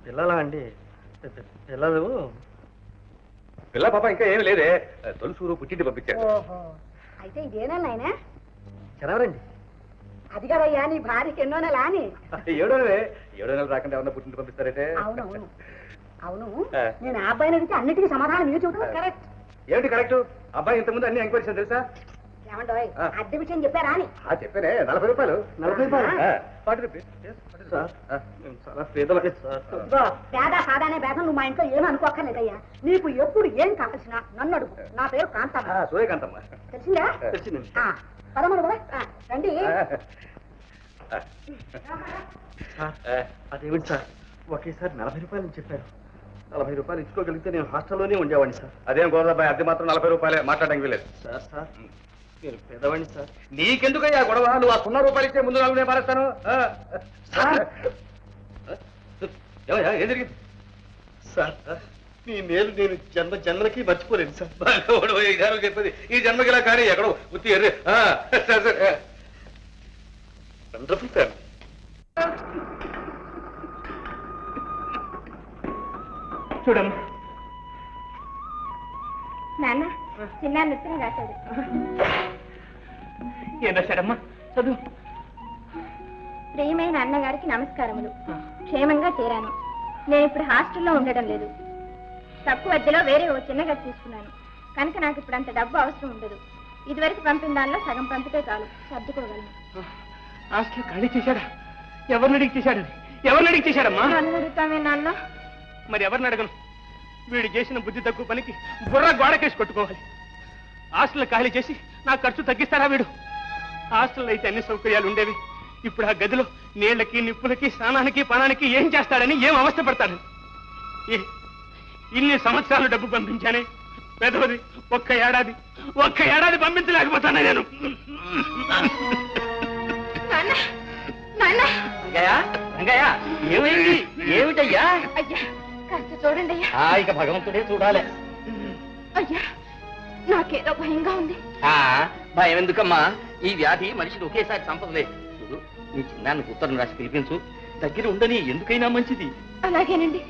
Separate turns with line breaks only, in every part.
పిల్లలా అండి? పిల్లలు
పిల్ల పాప ఇంకా ఏమి లేదే, తొలుసూరు పుట్టింటి పంపించారు.
ఓహో, అయితే ఇదేనా నాయనా?
జనవరండి.
అది కదయ్యా నీ భార్యకి ఎన్నో నెల అని.
7వ నెలే. 7వ నెల రాకుండా ఎవరన్నా పుట్టింటి పంపిస్తారైతే?
అవునవును అవును, నేను ఆ అబ్బాయిని అడిగితే అన్నిటికీ సమాధానం మీరు చెబుతున్నా కరెక్ట్.
ఏమిటి కరెక్ట్? అబ్బాయి ఇంతకుముందు అన్ని ఎంక్వైరీ చేశాను తెలుసా?
ఏమంటావు, అద్దె విషయం చెప్పారా అని?
చెప్పానే, 40 రూపాయలు.
40 రూపాయలు?
40 రూపీస్.
సార్ మేము చాలా పేదలే సార్.
ఇదిగో, పేద సాదానే భేదం నువ్వు మా ఇంట్లో ఏమీ అనుకోక్కర్లేదయ్యా. నీకు ఎప్పుడు ఏం కావాల్సినా నన్ను అడుగు. నా పేరు కాంతమ్మ.
సూర్యకాంతమ్మ.
తెలిసిందా?
తెలిసిందండి.
పదమూడు కూడా రండి.
సార్ అదేమిటి సార్, ఒకేసారి 40 రూపాయలు చెప్పారు. 40 రూపాయలు ఇచ్చుకోగలిగితే నేను హాస్టల్లోనే ఉండేవాడిని సార్.
అదేం గోదాబాయ్, అద్దె మాత్రం 40 రూపాయలే, మాట్లాడడానికి వీలేదు.
సార్ సార్ మీరు పేదవాడిని సార్.
నీకెందుకయ్యా గొడవ? నువ్వు ఆ 0 రూపాయలు ఇచ్చే ముందు 4 నేను మారేస్తాను. ఏమయ్యా, ఏం జరిగింది?
సార్ మీ మేలు నేను జన్మలకి మర్చిపోలేను సార్.
చెప్పేది ఈ జన్మకి ఇలా కానీ ఎక్కడో ఉత్తి ఎర్రి. సరే సరే,
వండర్ఫుల్ సార్.
చూడమ్మా,
నాన్న చిన్న ఉత్తరం రాశాడు.
ఏం రాశాడమ్మా? చదువు.
ప్రియమైన అన్నగారికి నమస్కారములు. క్షేమంగా చేరాను. నేను ఇప్పుడు హాస్టల్లో ఉండడం లేదు. తక్కువ అద్దెలో వేరే ఓ చిన్న గది తీసుకున్నాను కనుక నాకు ఇప్పుడు అంత డబ్బు అవసరం ఉండదు. ఇదివరకు పంపిన దానిలో సగం పంపితే చాలు, సర్దుకోగలను.
హాస్టల్ ఖాళీ చేశాడా? ఎవరిని అడిగి చేశాడు? ఎవరిని అడిగి చేశాడమ్మా?
నన్ను అడుగుతామే నాన్న.
మరి ఎవరిని అడగను? వీడు చేసిన బుద్ధి తక్కువ పనికి బుర్ర గోడకేసి కొట్టుకోవాలి. హాస్టల్ ఖాళీ చేసి నా ఖర్చు తగ్గిస్తారా వీడు? హాస్టల్లో అయితే అన్ని సౌకర్యాలు ఉండేవి. ఇప్పుడు ఆ గదిలో నీళ్లకి నిప్పులకి స్నానానికి పానానికి ఏం చేస్తాడని, ఏం అవస్థ పడతాడని. ఇన్ని సంవత్సరాలు డబ్బు పంపించానే, పెదవది ఒక్క ఏడాది పంపించలేకపోతానే నేను. ఏమైంది? ఏమిటయ్యా?
అయ్యా కాస్త చూడండి అయ్యా.
ఇక భగవంతుడే చూడాలి.
అయ్యా నాకేదో భయంగా ఉంది.
భయం ఎందుకమ్మా? ఈ వ్యాధి మనిషిని ఒకేసారి చంపదులే. చూడు, నీ చిన్నానికి ఉత్తరం రాసి పిలిపించు. దగ్గర ఉండని, ఎందుకైనా మంచిది.
అలాగేనండి.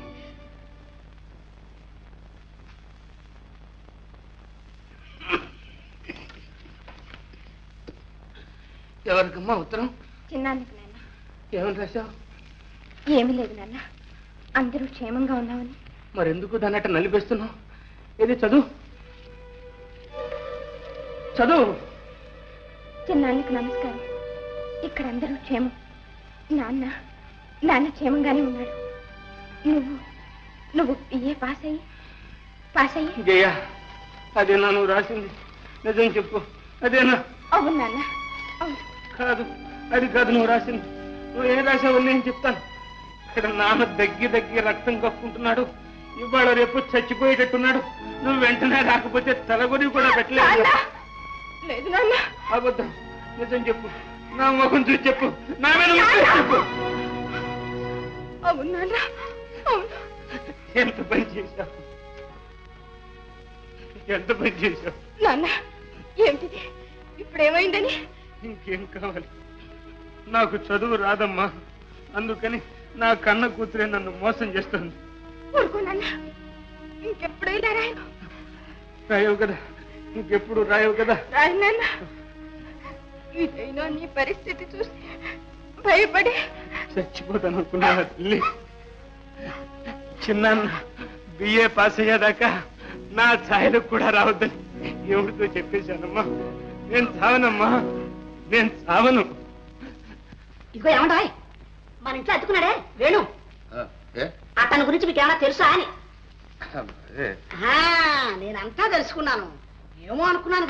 ఎవరికమ్మా ఉత్తరం?
చిన్నానికి నాన్న.
ఏమని రాశావు?
ఏమీ లేదు నాన్న, అందరూ క్షేమంగా ఉన్నామని.
మరెందుకు దాన్నట్ట నలిపేస్తున్నావు? ఏది చదువు చదువు.
చిన్నానికి నమస్కారం. ఇక్కడ అందరూ క్షేమం. నాన్న క్షేమంగానే ఉన్నాడు. నువ్వు బిఏ పాస్ అయ్యి
జయ, అదేనా నువ్వు రాసింది? నిజం చెప్పు, అదేనా?
అవును నాన్న, అవును.
కాదు, అది కాదు నువ్వు రాసింది. నువ్వు ఏం రాసావు నేను చెప్తాను. ఇక్కడ నాన్న దగ్గి రక్తం కప్పుకుంటున్నాడు. ఇవాళ రేపు చచ్చిపోయేటట్టున్నాడు. నువ్వు వెంటనే రాకపోతే తలగొని కూడా పెట్టలేదు.
లేదు నాన్న.
అబద్ధం. నిజం చెప్పు, నా ముఖం చూసి చెప్పు, నా మీద చెప్పు.
అవును నాన్న, అవును.
ఎంత పని చేశావు, ఎంత పని చేశావు
నాన్న. ఏమిటిది? ఇప్పుడు ఏమైందని?
ఇంకేం కావాలి? నాకు చదువు రాదమ్మా, అందుకని నా కన్న కూతురే నన్ను మోసం చేస్తుంది.
ఊరుకో నాన్న, ఇంకెప్పుడు ఇలా రాయను.
రాయవు కదా, ఇంకెప్పుడు రాయవు కదా.
రాయను నాన్న. ఇదైనా నీ పరిస్థితి చూసి భయపడి
చచ్చిపోతాను అనుకున్నా తల్లి. చిన్నాన్న బిఏ పాస్ అయ్యేదాకా నా ఛాయలకు కూడా రావద్దని ఎవరితో చెప్పేశానమ్మా. నేను చావనమ్మా, నేను చావను.
ఇదిగో ఏమంటాయ్, మన ఇంట్లో అతుకున్నాడే వేణు, అతని గురించి మీకు ఏమైనా తెలుసా అని? నేనంతా తెలుసుకున్నాను. ఏమో అనుకున్నాను.